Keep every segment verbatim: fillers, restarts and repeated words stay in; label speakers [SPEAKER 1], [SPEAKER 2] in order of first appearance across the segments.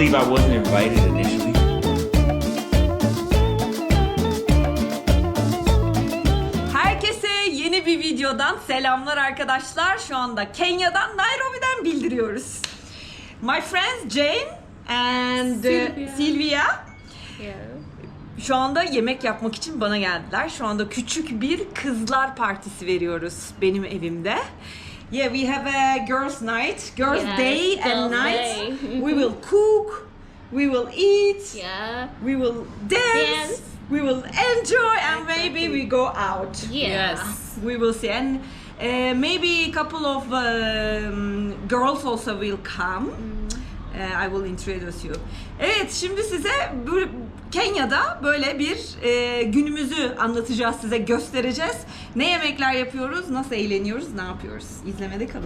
[SPEAKER 1] believe I wasn't invited initially.
[SPEAKER 2] Herkese yeni bir videodan selamlar arkadaşlar. Şu anda Kenya'dan, Nairobi'den bildiriyoruz. My friends Jane and uh,
[SPEAKER 3] Sylvia.
[SPEAKER 2] Sylvia
[SPEAKER 3] Yeah.
[SPEAKER 2] şu anda yemek yapmak için bana geldiler. Şu anda küçük bir kızlar partisi veriyoruz benim evimde. Yeah, we have a girls' night, girls'
[SPEAKER 3] Yes,
[SPEAKER 2] day and
[SPEAKER 3] girls'
[SPEAKER 2] night.
[SPEAKER 3] day.
[SPEAKER 2] We will cook, we will eat,
[SPEAKER 3] Yeah.
[SPEAKER 2] we will dance,
[SPEAKER 3] Dance.
[SPEAKER 2] we will enjoy, and maybe we go out.
[SPEAKER 3] Yeah.
[SPEAKER 2] We will see, and uh, maybe a couple of um, girls also will come. Uh, I will introduce you. Evet, şimdi size bu Kenya'da böyle bir e, günümüzü anlatacağız, size göstereceğiz. Ne yemekler yapıyoruz, nasıl eğleniyoruz, ne yapıyoruz? İzlemede kalın.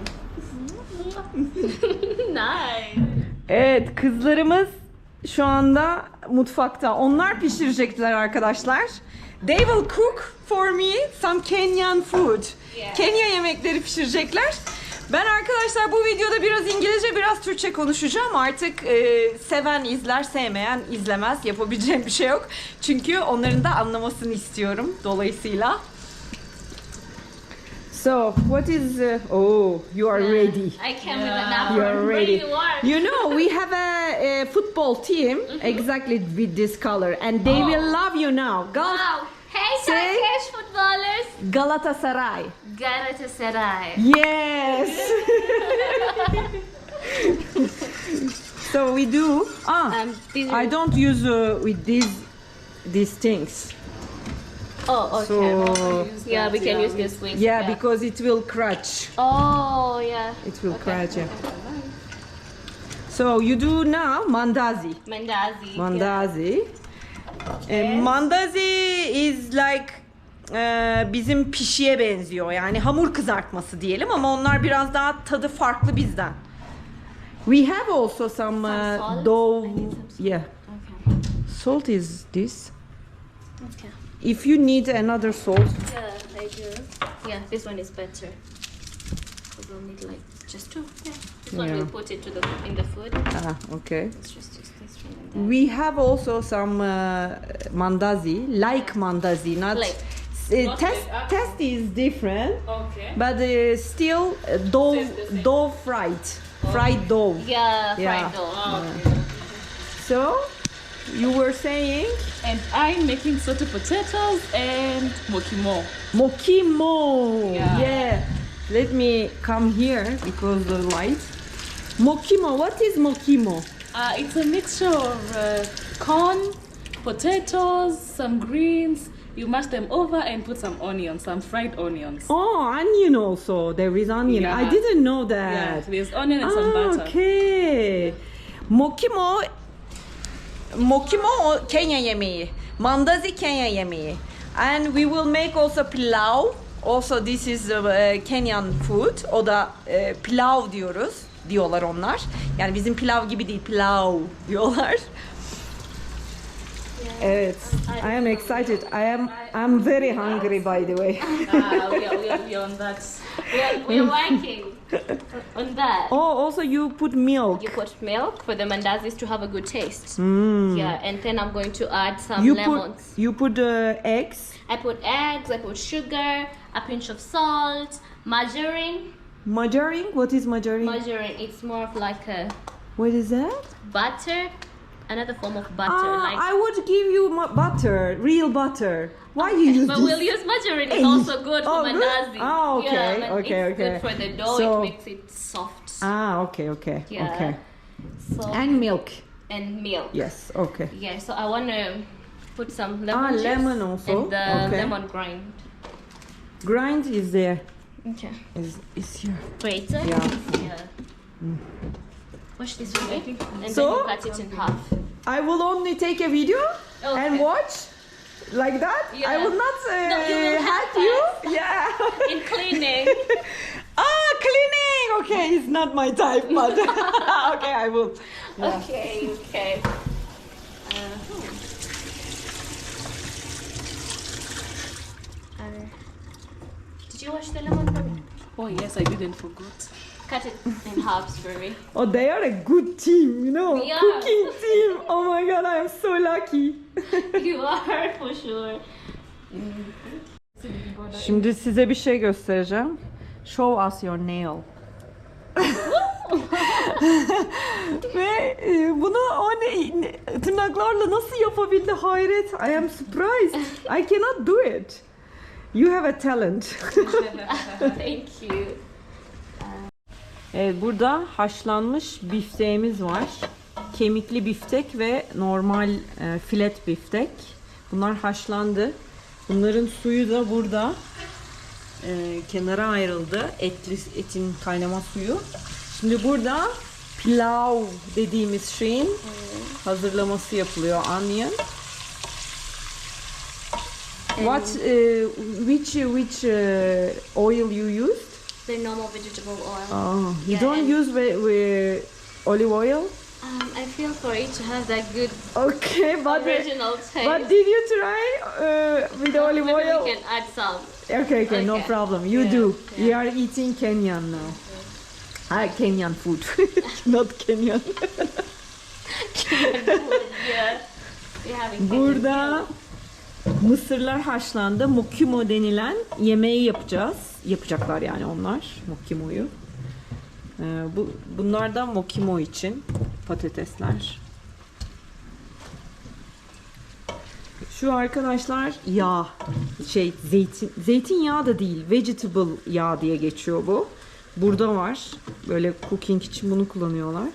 [SPEAKER 3] Nice.
[SPEAKER 2] Evet, kızlarımız şu anda mutfakta. Onlar pişirecekler arkadaşlar. They will cook for me some Kenyan food.
[SPEAKER 3] Yeah.
[SPEAKER 2] Kenya yemekleri pişirecekler. Ben arkadaşlar bu videoda biraz İngilizce, biraz Türkçe konuşacağım. Artık e, seven izler, sevmeyen izlemez. Yapabileceğim bir şey yok. Çünkü onların da anlamasını istiyorum dolayısıyla. So, what is... Uh, oh, you are ready.
[SPEAKER 3] I came with an apple.
[SPEAKER 2] You are ready.
[SPEAKER 3] warm.
[SPEAKER 2] You know, we have a, a football team exactly with this color, and they will love you now. Gal-
[SPEAKER 3] Wow. Hey,
[SPEAKER 2] Say-
[SPEAKER 3] Turkish footballers.
[SPEAKER 2] Galatasaray.
[SPEAKER 3] Galatasaray.
[SPEAKER 2] Yes. So we do. Ah,
[SPEAKER 3] Um, these
[SPEAKER 2] I
[SPEAKER 3] are-
[SPEAKER 2] don't use uh, with these these things.
[SPEAKER 3] Oh, okay.
[SPEAKER 2] So
[SPEAKER 3] yeah, we can use this with.
[SPEAKER 2] yeah, because it will crunch.
[SPEAKER 3] Oh, yeah.
[SPEAKER 2] It will
[SPEAKER 3] Okay.
[SPEAKER 2] crunch. Yeah. So you do now mandazi.
[SPEAKER 3] Mandazi.
[SPEAKER 2] Mandazi. E, mandazi is like e, bizim pişiye benziyor. Yani hamur kızartması diyelim ama onlar biraz daha tadı farklı bizden. We have also some,
[SPEAKER 3] Some
[SPEAKER 2] uh,
[SPEAKER 3] salt?
[SPEAKER 2] dough.
[SPEAKER 3] I need some salt.
[SPEAKER 2] Yeah.
[SPEAKER 3] Okay.
[SPEAKER 2] Salt is this.
[SPEAKER 3] Okay.
[SPEAKER 2] If you need another salt.
[SPEAKER 3] Yeah, I do. Yeah, this one is better. We'll need like just two. Yeah. This one
[SPEAKER 2] Yeah.
[SPEAKER 3] we'll put it to the in the food.
[SPEAKER 2] Ah, okay.
[SPEAKER 3] Let's just use this one and that.
[SPEAKER 2] We have also some uh, mandazi, like mandazi, not.
[SPEAKER 3] Like.
[SPEAKER 2] Uh, test test is different.
[SPEAKER 4] Okay.
[SPEAKER 2] But uh, still uh, dough,
[SPEAKER 4] Tastes the same.
[SPEAKER 2] dough fried, fried dough.
[SPEAKER 3] Yeah, fried
[SPEAKER 2] Yeah.
[SPEAKER 3] dough.
[SPEAKER 4] Oh, okay.
[SPEAKER 2] So, you were saying
[SPEAKER 4] And I'm making salted potatoes and mokimo.
[SPEAKER 2] mokimo.
[SPEAKER 4] Yeah.
[SPEAKER 2] Yeah. Let me come here because the light. Mokimo. What is mokimo?
[SPEAKER 4] Uh, it's a mixture of uh, corn, potatoes, some greens. You mash them over and put some onions, some fried onions.
[SPEAKER 2] Oh, onion also. There is onion.
[SPEAKER 4] Yeah.
[SPEAKER 2] I didn't know
[SPEAKER 4] Yeah,
[SPEAKER 2] that.
[SPEAKER 4] there's onion and some
[SPEAKER 2] Ah,
[SPEAKER 4] butter.
[SPEAKER 2] okay. Mokimo. Mokimo o Kenya yemeği. Mandazi Kenya yemeği. And we will make also pilav. Also this is uh, Kenyan food. O da uh, pilav diyoruz. Diyorlar onlar. Yani bizim pilav gibi değil, pilav diyorlar. Evet. I am excited. I am I'm very hungry by the way.
[SPEAKER 4] Ah, we are, we are, we are on that.
[SPEAKER 3] We're, we're working on that.
[SPEAKER 2] Oh, also you put milk.
[SPEAKER 3] You put milk for the mandazis to have a good taste. Yeah, and then I'm going to add some
[SPEAKER 2] You
[SPEAKER 3] lemons.
[SPEAKER 2] put you put uh, eggs.
[SPEAKER 3] I put eggs, I put sugar, a pinch of salt, margarine.
[SPEAKER 2] Margarine? What is margarine?
[SPEAKER 3] Margarine, it's more of like a
[SPEAKER 2] What is that?
[SPEAKER 3] butter, another form of butter.
[SPEAKER 2] Ah,
[SPEAKER 3] like,
[SPEAKER 2] I would give you ma- butter, real butter. Why you use
[SPEAKER 3] but
[SPEAKER 2] this?
[SPEAKER 3] we'll use margarine. It's
[SPEAKER 2] Hey.
[SPEAKER 3] also good for
[SPEAKER 2] Oh, good?
[SPEAKER 3] mandazi.
[SPEAKER 2] Ah, okay,
[SPEAKER 3] Yeah, but
[SPEAKER 2] okay,
[SPEAKER 3] it's
[SPEAKER 2] okay.
[SPEAKER 3] good for the dough.
[SPEAKER 2] So-
[SPEAKER 3] it makes it soft.
[SPEAKER 2] Ah, okay, okay,
[SPEAKER 3] Yeah.
[SPEAKER 2] okay.
[SPEAKER 3] So
[SPEAKER 2] And milk.
[SPEAKER 3] and milk.
[SPEAKER 2] Yes, okay.
[SPEAKER 3] Yeah, so I want to put some lemon
[SPEAKER 2] Ah,
[SPEAKER 3] juice
[SPEAKER 2] lemon also,
[SPEAKER 3] and the
[SPEAKER 2] okay.
[SPEAKER 3] lemon grind.
[SPEAKER 2] Grind is there.
[SPEAKER 3] Okay.
[SPEAKER 2] Is is here.
[SPEAKER 3] Grater.
[SPEAKER 2] Yeah.
[SPEAKER 3] Yeah. Wash this for me, and
[SPEAKER 2] So?
[SPEAKER 3] then you cut it in half.
[SPEAKER 2] I will only take a video and
[SPEAKER 3] Okay.
[SPEAKER 2] watch like that. I
[SPEAKER 3] Yeah.
[SPEAKER 2] will not uh,
[SPEAKER 3] No, you will
[SPEAKER 2] help
[SPEAKER 3] help
[SPEAKER 2] you. Yeah.
[SPEAKER 3] In cleaning.
[SPEAKER 2] Ah, cleaning. Okay, it's not my type, but okay, I will. Yeah.
[SPEAKER 3] Okay, okay. Uh, uh, did you wash the lemon for me?
[SPEAKER 4] Oh yes, I didn't forget.
[SPEAKER 3] cut it in halves for me.
[SPEAKER 2] Oh, they are a good team, you know.
[SPEAKER 3] We are.
[SPEAKER 2] Cooking team. Oh my god, I am so lucky.
[SPEAKER 3] You are for sure.
[SPEAKER 2] Şimdi size bir şey göstereceğim. Show us your nail. Ve e, bunu o ne, ne- tırnaklarla nasıl yapabildi, hayret. I am surprised. I cannot do it. You have a talent.
[SPEAKER 3] Thank you.
[SPEAKER 2] Evet, burada haşlanmış bifteğimiz var. Kemikli biftek ve normal e, filet biftek. Bunlar haşlandı. Bunların suyu da burada e, kenara ayrıldı. Etli, etin kaynama suyu. Şimdi burada pilav dediğimiz şeyin hazırlaması yapılıyor. Onion. What, uh, which which uh, oil you used?
[SPEAKER 3] The normal vegetable oil.
[SPEAKER 2] Oh, you
[SPEAKER 3] Yeah,
[SPEAKER 2] don't
[SPEAKER 3] and-
[SPEAKER 2] use wi- wi- olive oil?
[SPEAKER 3] Um, I feel for it to have that good
[SPEAKER 2] Okay, but
[SPEAKER 3] original taste.
[SPEAKER 2] but did you try uh, with the olive
[SPEAKER 3] Maybe
[SPEAKER 2] oil?
[SPEAKER 3] we can add some.
[SPEAKER 2] Okay, okay, no
[SPEAKER 3] Okay.
[SPEAKER 2] problem. You
[SPEAKER 3] Yeah,
[SPEAKER 2] do.
[SPEAKER 3] yeah.
[SPEAKER 2] We are eating Kenyan now. Ah, Kenyan food, not Kenyan.
[SPEAKER 3] Yeah. We're having
[SPEAKER 2] Burada mısırlar haşlandı. Mokimo denilen yemeği yapacağız. Yapacaklar yani onlar mokimoyu. Ee, bu bunlar da mokimo için patatesler. Şu arkadaşlar yağ, şey zeytin zeytinyağı da değil, vegetable yağ diye geçiyor bu. Burada var. Böyle cooking için bunu kullanıyorlar.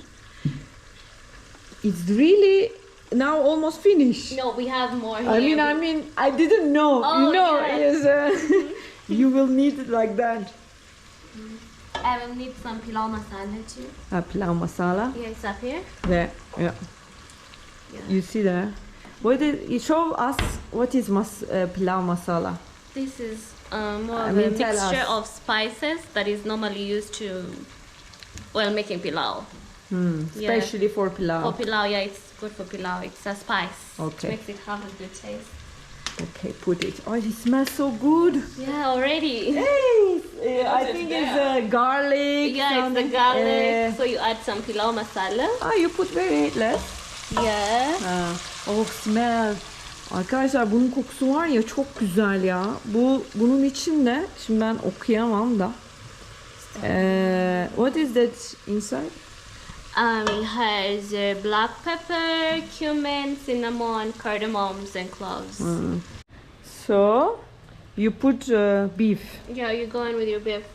[SPEAKER 2] It's really now almost finished.
[SPEAKER 3] No, we have more
[SPEAKER 2] I
[SPEAKER 3] here.
[SPEAKER 2] mean, I mean, I didn't know.
[SPEAKER 3] Oh,
[SPEAKER 2] you know,
[SPEAKER 3] yeah.
[SPEAKER 2] yes, uh, you will need it like that.
[SPEAKER 3] I will need some pilau masala too.
[SPEAKER 2] Uh, pilau masala.
[SPEAKER 3] Yeah, it's up here.
[SPEAKER 2] There, yeah.
[SPEAKER 3] Yeah.
[SPEAKER 2] You see there. What is? You show us what is mas uh, pilau masala.
[SPEAKER 3] This is um, more
[SPEAKER 2] I
[SPEAKER 3] of
[SPEAKER 2] mean,
[SPEAKER 3] a
[SPEAKER 2] tell
[SPEAKER 3] mixture
[SPEAKER 2] us.
[SPEAKER 3] of spices that is normally used to, well, making pilau.
[SPEAKER 2] Hmm.
[SPEAKER 3] Yeah.
[SPEAKER 2] Especially for pilau.
[SPEAKER 3] For pilau, yeah, it's good for pilau. It's a spice.
[SPEAKER 2] Okay.
[SPEAKER 3] It makes it have a good taste.
[SPEAKER 2] Okay, put it. Oh, it smells so good.
[SPEAKER 3] Yeah, already.
[SPEAKER 2] Hey, uh, I think it's uh, garlic.
[SPEAKER 3] Yeah, it's the
[SPEAKER 2] something,
[SPEAKER 3] garlic.
[SPEAKER 2] uh,
[SPEAKER 3] So you add some pilau masala.
[SPEAKER 2] ah, you put very less.
[SPEAKER 3] Yeah.
[SPEAKER 2] Ha. Oh, smell. Arkadaşlar bunun kokusu var ya, çok güzel ya. Bu bunun içinde, şimdi ben okuyamam da. Ee, what is that inside?
[SPEAKER 3] Um, it has uh, black pepper, cumin, cinnamon, cardamoms, and cloves.
[SPEAKER 2] Hmm. So you put uh, beef.
[SPEAKER 3] Yeah, you go in with your beef.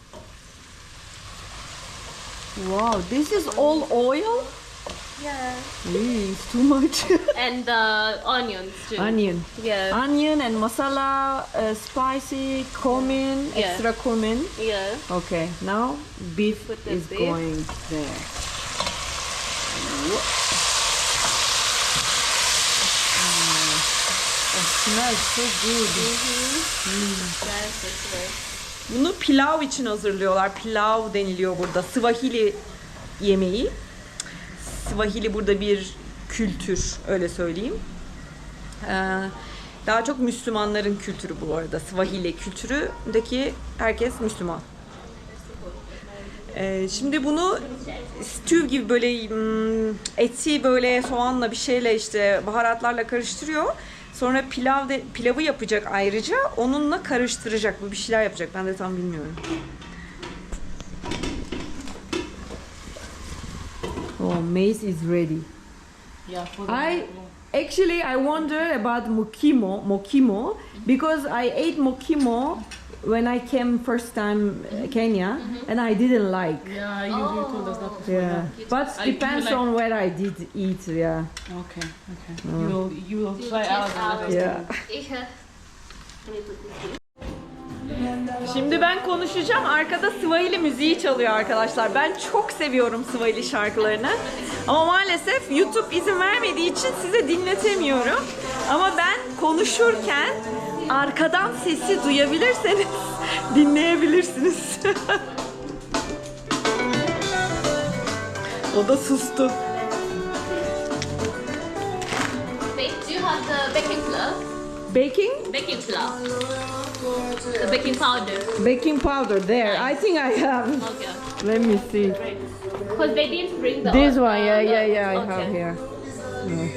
[SPEAKER 2] Wow, this is all oil?
[SPEAKER 3] Yeah.
[SPEAKER 2] Really, it's too much.
[SPEAKER 3] And the onions too.
[SPEAKER 2] Onion.
[SPEAKER 3] Yeah.
[SPEAKER 2] Onion and masala, uh, spicy, cumin,
[SPEAKER 3] Yeah.
[SPEAKER 2] extra cumin.
[SPEAKER 3] Yeah.
[SPEAKER 2] Okay, now beef
[SPEAKER 3] Put the
[SPEAKER 2] is
[SPEAKER 3] beef.
[SPEAKER 2] going there. Whoa. Mm. It smells so good.
[SPEAKER 3] That's it, right.
[SPEAKER 2] Bunu pilav için hazırlıyorlar. Pilav deniliyor burada. Swahili yemeği. Swahili burada bir kültür, öyle söyleyeyim. Ee, daha çok Müslümanların kültürü bu arada. Swahili kültüründeki herkes Müslüman. Ee, şimdi bunu stew gibi böyle hmm, eti böyle soğanla bir şeyle işte baharatlarla karıştırıyor. Sonra pilav de, pilavı yapacak ayrıca. Onunla karıştıracak. Bu bir şeyler yapacak. Ben de tam bilmiyorum. Oh, maize is ready.
[SPEAKER 4] Yeah, for the
[SPEAKER 2] I actually I wonder about mokimo, mokimo because I ate mokimo when I came first time uh, Kenya and I didn't like.
[SPEAKER 4] Yeah, you, you told us that before.
[SPEAKER 2] Yeah, but
[SPEAKER 4] I do
[SPEAKER 2] depends
[SPEAKER 4] like-
[SPEAKER 2] on where I did eat. Yeah,
[SPEAKER 4] Okay, okay. You will you will try
[SPEAKER 3] taste
[SPEAKER 4] out and let us
[SPEAKER 2] yeah.
[SPEAKER 3] Yeah. Let me put this here.
[SPEAKER 2] Şimdi ben konuşacağım. Arkada Swahili müziği çalıyor arkadaşlar. Ben çok seviyorum Swahili şarkılarını. Ama maalesef YouTube izin vermediği için size dinletemiyorum. Ama ben konuşurken arkadan sesi duyabilirseniz dinleyebilirsiniz. O da sustu.
[SPEAKER 3] Wait, do you have the baking flour?
[SPEAKER 2] Baking?
[SPEAKER 3] Baking flour. The baking powder.
[SPEAKER 2] Baking powder there. I think I have.
[SPEAKER 3] Okay.
[SPEAKER 2] Let me see.
[SPEAKER 3] Because they didn't bring the
[SPEAKER 2] This
[SPEAKER 3] uh,
[SPEAKER 2] one, yeah,
[SPEAKER 3] the-
[SPEAKER 2] yeah, yeah, I
[SPEAKER 3] okay.
[SPEAKER 2] have here. Yeah.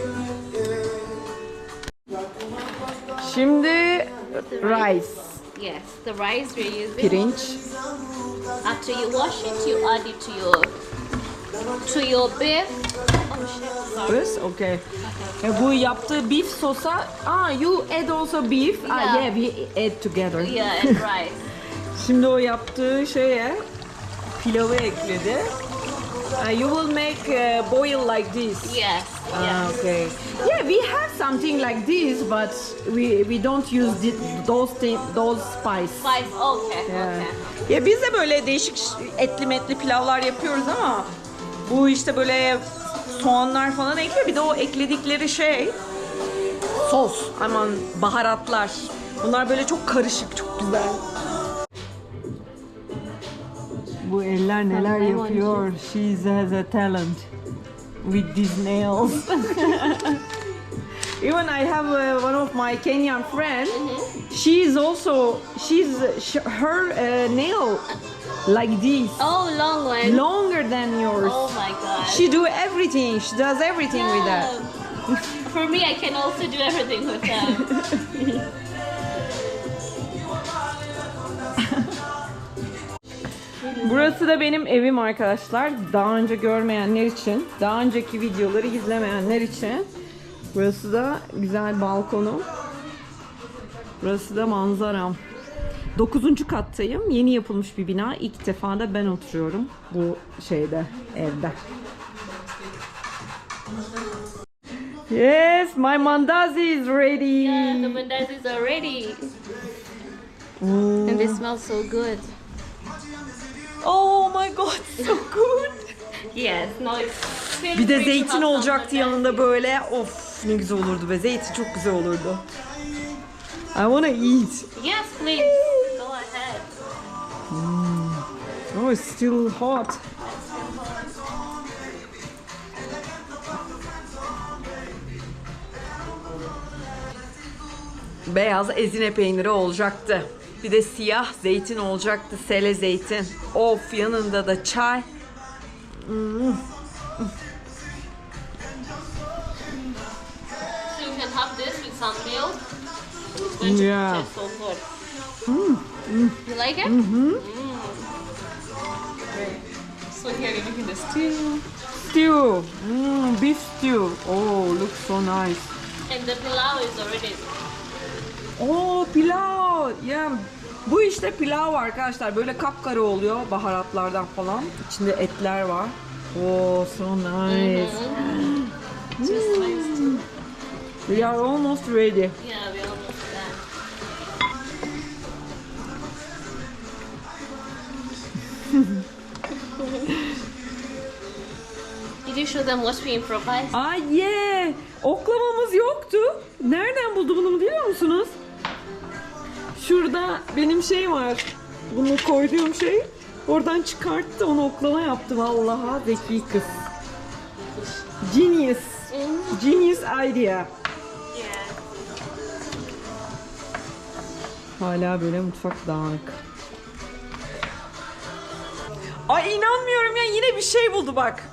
[SPEAKER 2] Şimdi rice,
[SPEAKER 3] Yes, the rice we're using.
[SPEAKER 2] pirinç.
[SPEAKER 3] After you wash it, you add it to your to your beef. Oh shit! Sorry.
[SPEAKER 2] This, okay. E, bu yaptığı beef sosa, ah, you add also beef. Ah,
[SPEAKER 3] Yeah.
[SPEAKER 2] yeah, we add together.
[SPEAKER 3] Yeah, and rice.
[SPEAKER 2] Şimdi o yaptığı şeye pilavı ekledi. Uh, you will make uh, boil like this.
[SPEAKER 3] Yes.
[SPEAKER 2] Ah,
[SPEAKER 3] Yes.
[SPEAKER 2] okay. Yeah, we have something like this, but we we don't use thi- those thi- those spice.
[SPEAKER 3] Spice. Okay.
[SPEAKER 2] Yeah.
[SPEAKER 3] Okay.
[SPEAKER 2] Ya biz de böyle değişik ş- etli metli pilavlar yapıyoruz ama bu işte böyle soğanlar falan ekliyor. Bir de o ekledikleri şey sos, aman baharatlar. Bunlar böyle çok karışık, çok güzel. Bu eller neler
[SPEAKER 3] Lemon
[SPEAKER 2] yapıyor. She has a talent with these nails. Even I have uh, one of my Kenyan friend. She is also she's sh her uh, nail like this,
[SPEAKER 3] Oh, long one.
[SPEAKER 2] longer than yours.
[SPEAKER 3] Oh my god.
[SPEAKER 2] She do everything. She does everything with that.
[SPEAKER 3] Yeah. For me, I can also do everything with them.
[SPEAKER 2] Burası da benim evim arkadaşlar. Daha önce görmeyenler için, daha önceki videoları izlemeyenler için. Burası da güzel balkonum. Burası da manzaram. Dokuzuncu kattayım. Yeni yapılmış bir bina. İlk defa da ben oturuyorum bu şeyde, evde. Yes, my mandazi is ready.
[SPEAKER 3] Yeah, the mandazis are ready. And they smell so good.
[SPEAKER 2] Oh my god, so good.
[SPEAKER 3] Yes, no, it's feel
[SPEAKER 2] Bir de
[SPEAKER 3] free to
[SPEAKER 2] zeytin
[SPEAKER 3] have some
[SPEAKER 2] olacaktı yanında
[SPEAKER 3] mandazis.
[SPEAKER 2] böyle. Of, ne güzel olurdu be. Zeytin çok güzel olurdu. I wanna eat.
[SPEAKER 3] Yes, please. Go ahead.
[SPEAKER 2] Oh, it's still hot. Beyaz ezine peyniri olacaktı. Bir de siyah zeytin olacaktı. Sele zeytin. Of, yanında da çay. Mm.
[SPEAKER 3] So you can have this with some milk. It's going to
[SPEAKER 2] Yeah.
[SPEAKER 3] taste so good. You like it?
[SPEAKER 2] Mm-hmm.
[SPEAKER 4] So here you're making the stew.
[SPEAKER 2] Stew. Mm, beef stew. Oh, looks so nice.
[SPEAKER 3] And the pilau is already.
[SPEAKER 2] Oo, pilav. Yeah. Bu işte pilav arkadaşlar. Böyle kapkara oluyor baharatlardan falan. İçinde etler var. Oh, so nice.
[SPEAKER 3] Just nice too.
[SPEAKER 2] We are almost ready.
[SPEAKER 3] Yeah, we almost done. Did you show them what we improvised?
[SPEAKER 2] Ay yeah. Oklamamız yoktu. Nereden buldu bunu biliyor musunuz? Şurada benim şey var. Bunu koyduğum şey. Oradan çıkarttı, onu oklama yaptı. Vallahi zeki kız. Genius. Genius idea.
[SPEAKER 3] Yeah.
[SPEAKER 2] Hala böyle mutfak dağınık. Ay inanmıyorum ya, yine bir şey buldu bak.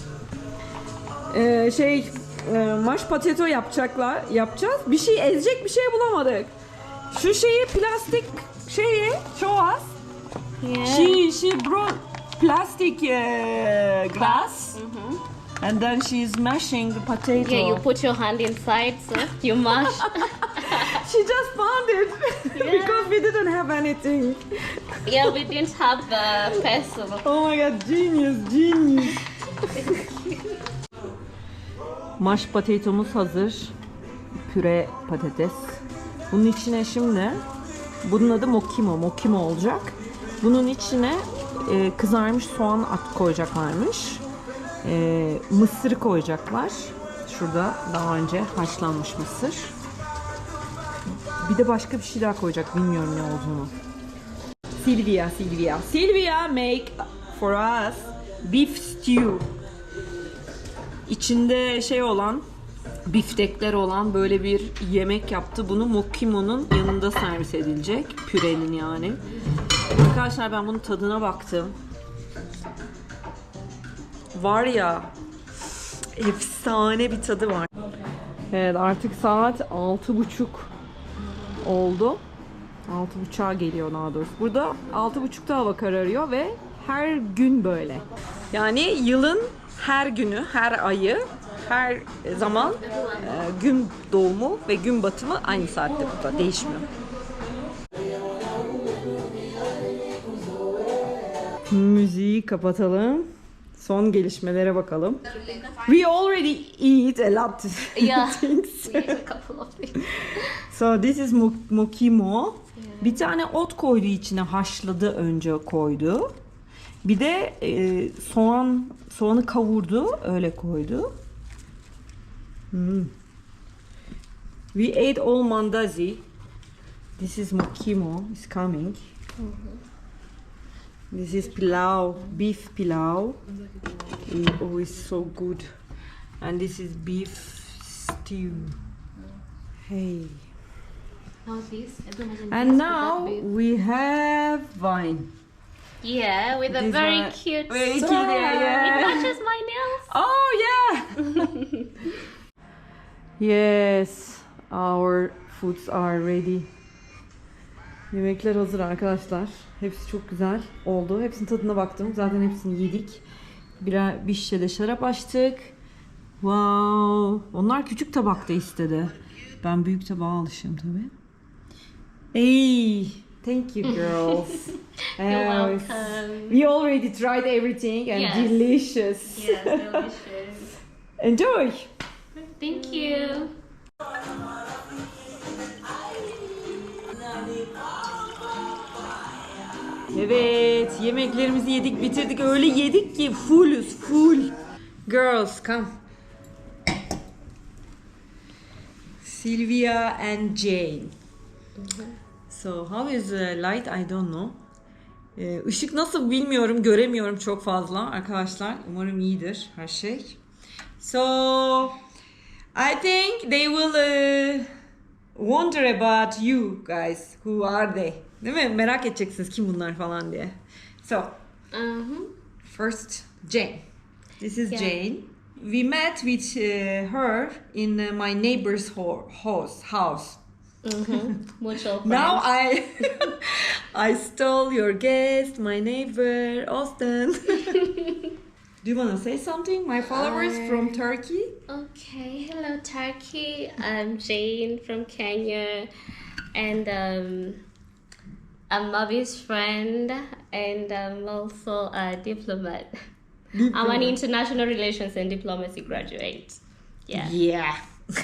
[SPEAKER 2] Ee, şey e, maş potato yapacaklar, yapacağız. Bir şey ezecek bir şey bulamadık. Şu şeyi plastik şeyi show us.
[SPEAKER 3] Yeah.
[SPEAKER 2] She she brought plastic uh, glass. And then she's mashing the potato.
[SPEAKER 3] Yeah, you put your hand inside, so you mash.
[SPEAKER 2] She just found it because we didn't have anything.
[SPEAKER 3] Yeah, we didn't have the pestle.
[SPEAKER 2] Oh my god, genius, genius. Maş patatomuz hazır. Püre patates. Bunun içine şimdi, bunun adı mokimo, mokimo olacak. Bunun içine e, kızarmış soğan at koyacaklarmış. E, mısır koyacaklar. Şurada daha önce haşlanmış mısır. Bir de başka bir şey daha koyacak, bilmiyorum ne olduğunu. Silvia, Silvia. Silvia make for us beef stew. İçinde şey olan, biftekler olan böyle bir yemek yaptı. Bunu mokimo'nun yanında servis edilecek. Pürenin yani. Arkadaşlar ben bunun tadına baktım. Var ya, efsane bir tadı var. Evet, artık saat altı buçuk oldu. Altı buçuğa geliyor daha doğrusu. Burada altı buçukta hava kararıyor ve her gün böyle. Yani yılın her günü, her ayı, her zaman e, gün doğumu ve gün batımı aynı saatte burada. Değişmiyor. Müziği kapatalım. Son gelişmelere bakalım. We already eat a lot of
[SPEAKER 3] Yeah.
[SPEAKER 2] things.
[SPEAKER 3] We have a couple of things.
[SPEAKER 2] So this is mo- mokimo. Bir tane ot koydu içine, haşladı önce koydu. Bir de e, soğan soğanı kavurdu, öyle koydu. Hmm. We ate all mandazi. This is mokimo is coming. This is pilau, beef pilau. Oh, it's so good. And this is beef stew. Hey.
[SPEAKER 3] Now this. I don't imagine
[SPEAKER 2] And
[SPEAKER 3] this
[SPEAKER 2] now
[SPEAKER 3] without beef.
[SPEAKER 2] we have wine.
[SPEAKER 3] Yeah, with a
[SPEAKER 2] This
[SPEAKER 3] very
[SPEAKER 2] one-
[SPEAKER 3] cute.
[SPEAKER 2] Very
[SPEAKER 3] star.
[SPEAKER 2] cute, yeah, yeah.
[SPEAKER 3] It matches my nails.
[SPEAKER 2] Oh yeah. Yes, our foods are ready. Yemekler hazır arkadaşlar. Hepsi çok güzel oldu. Hepsinin tadına baktım. Zaten hepsini yedik. Birer bir şişe de şarap açtık. Wow. Onlar küçük tabakta istedi. Ben büyük tabağa alışığım tabii. Hey, thank you girls.
[SPEAKER 3] You're
[SPEAKER 2] Uh,
[SPEAKER 3] welcome.
[SPEAKER 2] We already tried everything and
[SPEAKER 3] Yes.
[SPEAKER 2] delicious.
[SPEAKER 3] Yes, delicious.
[SPEAKER 2] Enjoy.
[SPEAKER 3] Thank you.
[SPEAKER 2] Evet, yemeklerimizi yedik, bitirdik. Öyle yedik ki fullüz, full. Girls, come. Sylvia and Jane. So, how is the light? I don't know. Ee, Işık nasıl bilmiyorum, göremiyorum çok fazla arkadaşlar. Umarım iyidir her şey. So, I think they will uh, wonder about you guys. Who are they? Değil mi? Merak edeceksiniz kim bunlar falan diye. So,
[SPEAKER 3] Uh-huh.
[SPEAKER 2] first Jane. This is
[SPEAKER 3] Yeah.
[SPEAKER 2] Jane. We met with uh, her in uh, my neighbor's ho- house. House.
[SPEAKER 3] Mm-hmm. Mutual friends.
[SPEAKER 2] Now I I stole your guest, my neighbor, Austin. Do you want to say something? My followers
[SPEAKER 3] Uh,
[SPEAKER 2] from Turkey.
[SPEAKER 3] Okay, hello Turkey. I'm Jane from Kenya, and um, I'm Mavi's friend, and I'm also a diplomat. I'm an international relations and diplomacy graduate. Yeah.
[SPEAKER 2] Yeah.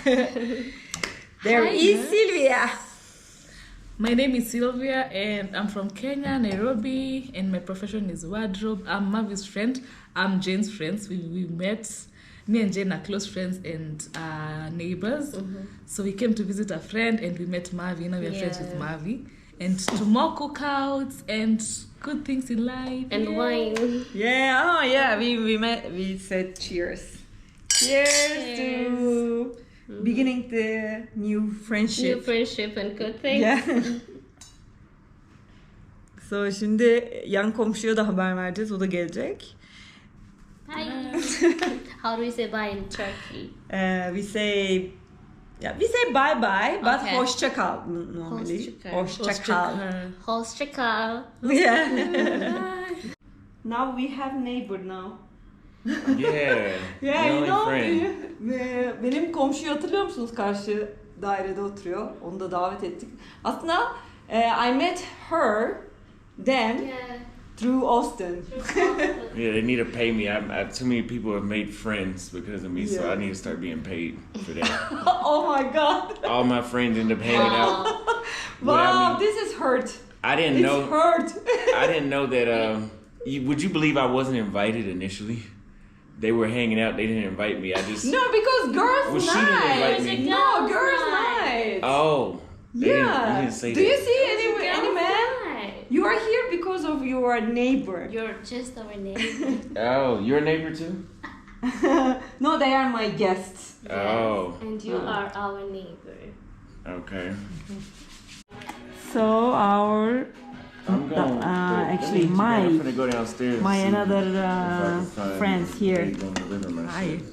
[SPEAKER 2] There
[SPEAKER 4] Hi,
[SPEAKER 2] is
[SPEAKER 4] girls.
[SPEAKER 2] Sylvia.
[SPEAKER 4] My name is Sylvia and I'm from Kenya, Nairobi, and my profession is wardrobe. I'm Mavi's friend. I'm Jane's friends. We, we met. Me and Jane are close friends and uh, neighbors. So we came to visit a friend and we met Mavi. Now we are friends with
[SPEAKER 3] Yeah.
[SPEAKER 4] Mavi. And to more cookouts and good things in life.
[SPEAKER 3] And
[SPEAKER 4] yeah.
[SPEAKER 3] wine.
[SPEAKER 2] Yeah. Oh yeah. We we met. We said cheers. Cheers, to beginning the new friendship.
[SPEAKER 3] New friendship and good things.
[SPEAKER 2] Yeah. So şimdi yan komşuya da haber vereceğiz. O da gelecek.
[SPEAKER 3] Hi. How do we say bye in Turkey?
[SPEAKER 2] Uh, we say yeah, we say bye bye, but
[SPEAKER 3] Okay.
[SPEAKER 2] hoşça kal normally.
[SPEAKER 3] Hoşça kal.
[SPEAKER 2] Hoşça kal.
[SPEAKER 3] Hoşça kal.
[SPEAKER 2] Yeah. Now we have neighbor now.
[SPEAKER 1] Yeah.
[SPEAKER 2] Yeah,
[SPEAKER 1] the
[SPEAKER 2] you
[SPEAKER 1] only
[SPEAKER 2] know,
[SPEAKER 1] friend.
[SPEAKER 2] be- benim komşuyu hatırlıyor musunuz? Karşı dairede oturuyor. Onu da davet ettik. Aslında uh, I met her then
[SPEAKER 3] Yeah.
[SPEAKER 2] through Austin.
[SPEAKER 1] Yeah, they need to pay me. I, I, too many people have made friends because of me, so
[SPEAKER 2] Yeah.
[SPEAKER 1] I need to start being paid for that.
[SPEAKER 2] Oh my god.
[SPEAKER 1] All my friends end up hanging out.
[SPEAKER 2] Wow,
[SPEAKER 1] But I mean,
[SPEAKER 2] this is hurt.
[SPEAKER 1] I didn't
[SPEAKER 2] It's
[SPEAKER 1] know.
[SPEAKER 2] hurt.
[SPEAKER 1] I didn't know that. Um, you, would you believe I wasn't invited initially? They were hanging out. They didn't invite me. I just.
[SPEAKER 2] No, because girls'
[SPEAKER 1] Well, she didn't
[SPEAKER 2] night.
[SPEAKER 1] invite me.
[SPEAKER 2] No,
[SPEAKER 3] Girls'
[SPEAKER 2] girls'
[SPEAKER 3] night.
[SPEAKER 2] night.
[SPEAKER 1] Oh. They Didn't,
[SPEAKER 2] Yeah.
[SPEAKER 1] you didn't say
[SPEAKER 2] Do
[SPEAKER 1] that.
[SPEAKER 2] you see any any man?
[SPEAKER 3] Hi.
[SPEAKER 2] You are here because of your neighbor.
[SPEAKER 3] You're just our neighbor.
[SPEAKER 1] Oh, you're a neighbor too.
[SPEAKER 2] No, they are my guests.
[SPEAKER 1] Oh.
[SPEAKER 3] And you are our neighbor.
[SPEAKER 1] Okay.
[SPEAKER 2] So our
[SPEAKER 1] I'm going.
[SPEAKER 2] uh, actually, my-
[SPEAKER 1] I'm gonna go downstairs.
[SPEAKER 2] my
[SPEAKER 1] and see
[SPEAKER 2] another,
[SPEAKER 1] if I
[SPEAKER 2] uh,
[SPEAKER 1] can find
[SPEAKER 2] friends here.
[SPEAKER 1] where you gonna deliver my
[SPEAKER 4] Hi.
[SPEAKER 1] shit.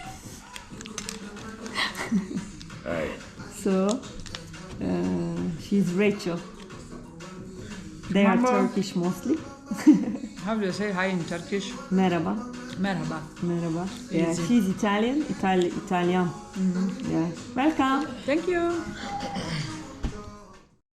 [SPEAKER 1] All right.
[SPEAKER 2] So, uh, she's Rachel. They are
[SPEAKER 4] Mama.
[SPEAKER 2] Turkish mostly.
[SPEAKER 4] How do you say hi in Turkish?
[SPEAKER 2] Merhaba.
[SPEAKER 4] Merhaba.
[SPEAKER 2] Merhaba. Yeah,
[SPEAKER 4] Easy.
[SPEAKER 2] she's Italian. Itali- Italian. Yeah. Welcome.
[SPEAKER 4] Thank you.